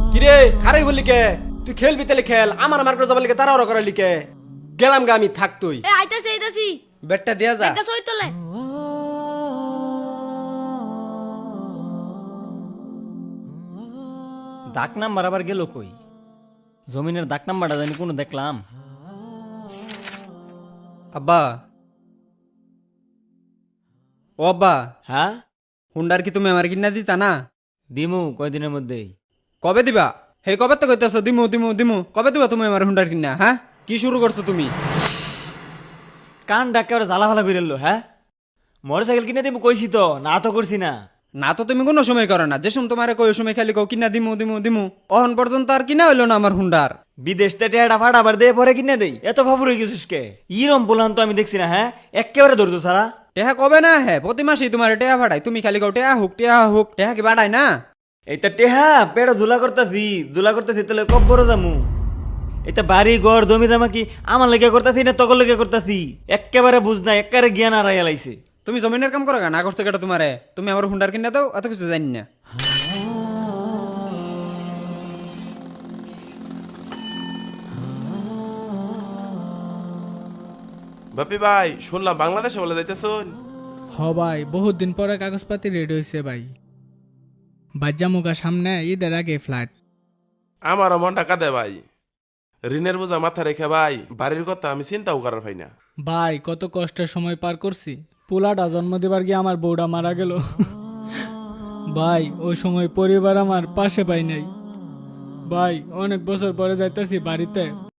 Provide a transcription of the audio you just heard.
কিরে খারাই বলি কে? তুই খেলবি তাহলে খেল, আমার মার্কেট যাবার লিখে তারা ওরা করার লিখে গেলাম গা আমি, থাক তুই। এ আইতাছি বেটটা দিয়া যা। একটা সই তোলে। ডাক নাম্বার আবার গেল কই? জমিনের ডাক নাম্বারটা জানি কোনো দেখলাম। আব্বা, ও আব্বা, হ্যাঁ হুন্ডার কি তুমি আমার কিনা দিতা না? দিমু কয়দিনের মধ্যেই। কবে দিবা? হে কবে তো কইতেছ দিমু দিমু দিমু, কবে দিবা তুমি আমার হুন্ডার কিনা? হ্যাঁ, কি শুরু করছো তুমি? কান ডাকে ওরা জ্বালা ফালা করে হ্যাঁ? মোটর সাইকেল কিনে দিমু কইছি তো, না তো করছি না। না তো তুমি কোনো সময় করো না, যে সময় তোমার কই সময় খালি কও কিনা দিমু দিমু দিমু, অহন পর্যন্ত আর কিনা হইলো না আমার হুন্ডার। বিদেশ থেকে টেটা ফাটা আবার দিয়ে পরে কিনে দেই, এত ফাফুর হয়ে গেছিস কে? ইরম বললাম তো আমি দেখছি না, হ্যাঁ একেবারে ধরতো সারা। টেহা কবে না? হ্যাঁ, প্রতি মাসেই তোমার টেহা ভাড়াই, তুমি খালি কও টেহা হুক টেহা হুক, টেহা কি বাড়াই না? এইটা টেহা পেড়া ধুলা করতেছি তাহলে কব বড় দামু। এটা বাড়ি ঘর জমি জামা কি আমার লেগে করতেছি না তকল লেগে করতেছি? একেবারে বুঝ না, একেবারে জ্ঞান হারাইয়া লাইছে। তুমি জমিনের কাম করো না করছে কেটা তোমারে? তুমি আমার হুন্ডার কিনা দাও, এত কিছু জানি না। বাপি ভাই, শুনলাম বাংলাদেশে বলে যাইতেছুন। হ ভাই, বহুত দিন পরে কাগজপাতি রেডি হয়েছে ভাই। বাজ্জামুগা সামনে ঈদের আগে ফ্লাইট। আমারও মন টাকা দে ভাই, ঋণের বোঝা মাথা রেখে ভাই বাড়ির কথা আমি চিন্তাও করার পাই না। ভাই কত কষ্টের সময় পার করছি, পোলাটা জন্ম দেবার গিয়ে আমার বউটা মারা গেল। ভাই ওই সময় পরিবার আমার পাশে পাই নাই। ভাই অনেক বছর পরে যাইতেছি বাড়িতে,